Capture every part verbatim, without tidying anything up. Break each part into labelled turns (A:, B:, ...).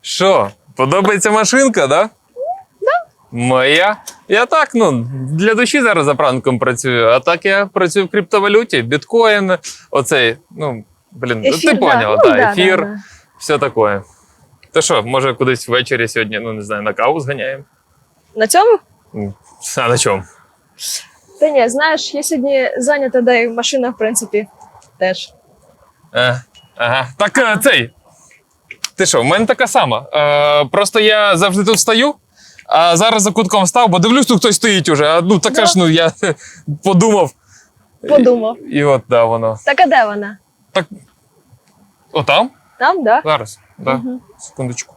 A: Що, подобається машинка, да?
B: Да.
A: Моя? Я так, ну, для душі зараз заправником працюю, а так я працюю в криптовалюті, біткоін, оцей, ну, блін,
B: Ефір,
A: ти
B: да.
A: поняла,
B: Ну,
A: так,
B: да,
A: ефір,
B: да, да.
A: все таке. Та що, може кудись ввечері сьогодні, ну, не знаю, на каву зганяємо?
B: На цьому?
A: А на чому?
B: Та ні, знаєш, я сьогодні зайнята, да і машина, в принципі, теж.
A: Е, ага. Так е, цей. Ти що, в мене така сама. Е, просто я завжди тут стою, а зараз за кутком став, бо дивлюсь, тут хтось стоїть уже. А, ну така
B: Да.
A: ж, ну я подумав.
B: Подумав.
A: І, і от, да, воно.
B: Так, а де вона?
A: Так. Отам?
B: Там, да?
A: Зараз. Да.
B: Мгм.
A: Секундочку.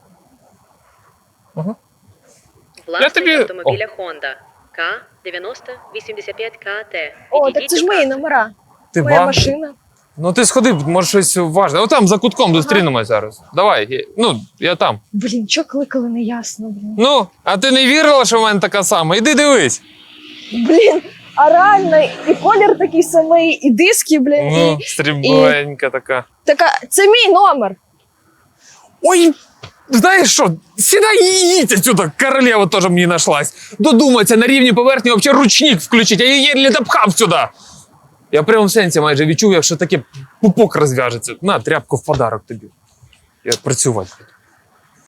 C: Власник
A: тобі-
C: автомобіля Honda К дев'яносто вісімдесят п'ять К Т.
B: О, так це ж мої номера.
A: Ти
B: Моя
A: ба?
B: машина.
A: Ну ти сходи, може щось важне. Отам за кутком зустрінемось зараз. Давай. я- Ну, я там.
B: Блін, чого кликали, не ясно, блін.
A: Ну, а ти не вірила, що в мене така сама? Іди дивись.
B: Блін, а реально, і колір такий самий, і диски, блін,
A: Ну,
B: і
A: стрібленька така.
B: така, це мій номер.
A: Ой, знаєш що, сідай і їдь отсюда, королева теж мені нашлась. Додуматься на рівні поверхні взагалі ручник включить, а я її не допхав сюди. Я в прямому сенсі майже відчув, якщо таке пупок розв'яжеться. На, тряпку в подарок тобі. Я працювати хочу.